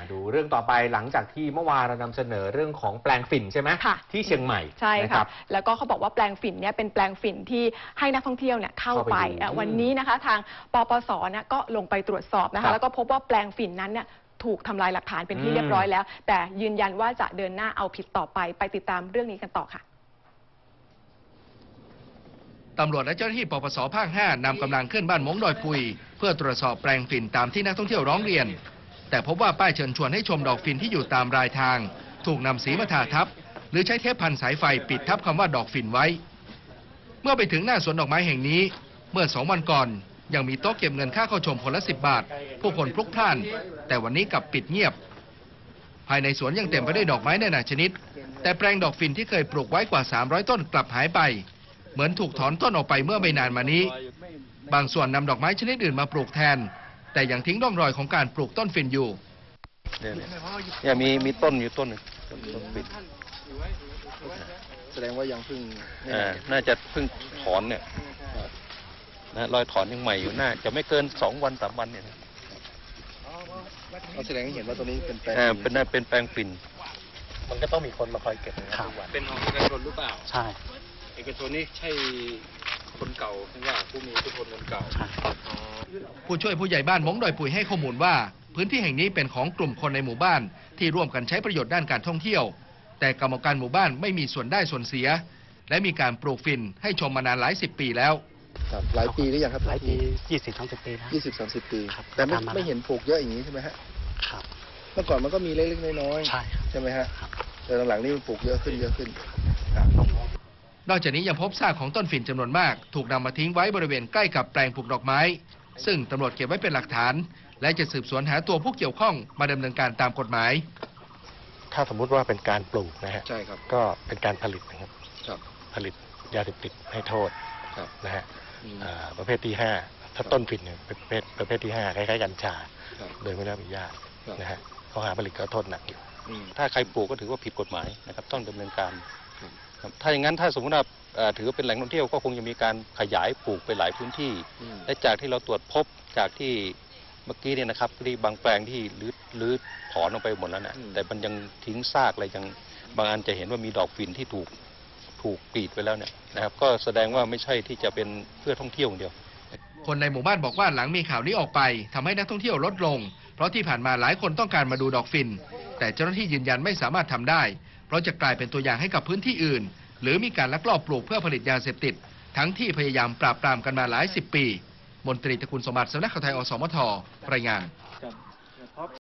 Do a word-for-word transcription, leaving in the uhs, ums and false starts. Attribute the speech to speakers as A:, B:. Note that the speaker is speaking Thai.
A: มาดูเรื่องต่อไปหลังจากที่เมื่อวานเรานำเสนอเรื่องของแปลงฝิ่นใช่ไหมที่เชียงใหม่
B: ใช่ค่ะแล้วก็เขาบอกว่าแปลงฝิ่นเนี่ยเป็นแปลงฝิ่นที่ให้นักท่องเที่ยวเนี่ยเข้าไปวันนี้นะคะทางปปสเนี่ยก็ลงไปตรวจสอบนะคะแล้วก็พบว่าแปลงฝิ่นนั้นเนี่ยถูกทำลายหลักฐานเป็นที่เรียบร้อยแล้วแต่ยืนยันว่าจะเดินหน้าเอาผิดต่อไปไปติดตามเรื่องนี้กันต่อค่ะ
C: ตำรวจและเจ้าหน้าที่ปปสภาคห้านำกำลังขึ้นบ้านมงดอยปุยเพื่อตรวจสอบแปลงฝิ่นตามที่นักท่องเที่ยวร้องเรียนแต่พบว่าป้ายเชิญชวนให้ชมดอกฝิ่นที่อยู่ตามรายทางถูกนำสีมาทาทับหรือใช้เทปพันสายไฟปิดทับคำว่าดอกฝิ่นไว้เมื่อไปถึงหน้าสวนดอกไม้แห่งนี้เมื่อสองวันก่อนยังมีโต๊ะเก็บเงินค่าเข้าชมคนละสิบบาทผู้คนพลุกพล่านแต่วันนี้กลับปิดเงียบภายในสวนยังเต็มไปด้วยดอกไม้นานาชนิดแต่แปลงดอกฝิ่นที่เคยปลูกไว้กว่าสามร้อยต้นกลับหายไปเหมือนถูกถอนต้นออกไปเมื่อไม่นานมานี้บางส่วนนำดอกไม้ชนิดอื่นมาปลูกแทนแต่ยังทิ้งร่องรอยของการปลูกต้นฝิ่นอยู่
D: เนี่ยมีมีต้นอยู่ต้นหนึ่งต้นฝิ่น
E: แสดงว่ายังเพิ่ง
D: น่าจะเพิ่งถอนเนี่ยนะรอยถอนยังใหม่อยู่น่าจะไม่เกินสองวันสามวันเนี่ย
E: แสดงให้เห็นว่าตัวนี้เป็นแปลง
D: เป็นเป็นแปลงฝิ่น
E: มันก็ต้องมีคนมาคอยเก็บ
F: เป็นของเอกชนหรือเปล่า
E: ใช่
F: เอกชนนี่ใช่คนเก่าหรือว่าผู้มีอิทธิพลคนเก่า
C: ผู้ช่วยผู้ใหญ่บ้านมงดอยปุยให้ข้อมูลว่าพื้นที่แห่งนี้เป็นของกลุ่มคนในหมู่บ้านที่ร่วมกันใช้ประโยชน์ด้านการท่องเที่ยวแต่กรรมการหมู่บ้านไม่มีส่วนได้ส่วนเสียและมีการปลูกฝิ่นให้ชมมานานหลายสิบปีแล้ว
E: ครับหลายปีหรือยังครับ
G: หลายปียี่สิบสามสิบปีนะ
E: ยี่สิบสามสิบปีแต่ไม่ไม่เห็นปลูกเยอะอย่างนี้ใช่ไหมฮะ
G: ครับ
E: เมื่อก่อนมันก็มีเล็กๆน้อย
G: ๆใช่
E: ใช่ไหมฮะแต่หลังๆนี่มันปลูกเยอะขึ้นเยอะขึ้น
C: นอกจากนี้ยังพบซากของต้นฝิ่นจำนวนมากถูกนำมาทิ้งไว้บริเวณใกล้กับแปลงปลูกดอกไม้ซึ่งตำรวจเก็บไว้เป็นหลักฐานและจะสืบสวนหาตัวผู้เกี่ยวข้องมาดำเนินการตามกฎหมาย
G: ถ้าสมมุติว่าเป็นการปลูกนะฮะ
E: ใช่ครับ
G: ก็เป็นการผลิตนะครับ
E: ครับ
G: ผลิตยาเสพติดให้โทษ
E: ครับ
G: นะฮะประเภทที่ห้าถ้าต้นฝิ่นเนี่ยเป็นประเภทประเภทที่ห้าคล้ายๆกัญชาโดยไม่ได้รับอนุญาตนะฮะข้อหาผลิตก็โทษหนักอยู่
D: ถ้าใครปลูกก็ถือว่าผิดกฎหมายนะครับต้องดำเนินการถ้าอย่างนั้นถ้าสมมติว่าถือว่าเป็นแหล่งท่องเที่ยวก็คงจะมีการขยายปลูกไปหลายพื้นที่และจากที่เราตรวจพบจากที่เมื่อกี้เนี่ยนะครับที่บางแปลงที่รื้อรื้อถอนลงไปหมดแล้วนะแต่มันยังทิ้งซากอะไรยังบางอันจะเห็นว่ามีดอกฝิ่นที่ถูกถูกกรีดไปแล้วเนี่ยนะครับก็แสดงว่าไม่ใช่ที่จะเป็นเพื่อท่องเที่ยวอย่างเดียว
C: คนในหมู่บ้านบอกว่าหลังมีข่าวนี้ออกไปทำให้นักท่องเที่ยวลดลงเพราะที่ผ่านมาหลายคนต้องการมาดูดอกฝิ่นแต่เจ้าหน้าที่ยืนยันไม่สามารถทำได้เพราะจะกลายเป็นตัวอย่างให้กับพื้นที่อื่นหรือมีการลักลอบปลูกเพื่อผลิตยาเสพติดทั้งที่พยายามปราบปรามกันมาหลายสิบปีมนตรีตระกูลสมบัติสำนักข่าวไทยอสมทรายงาน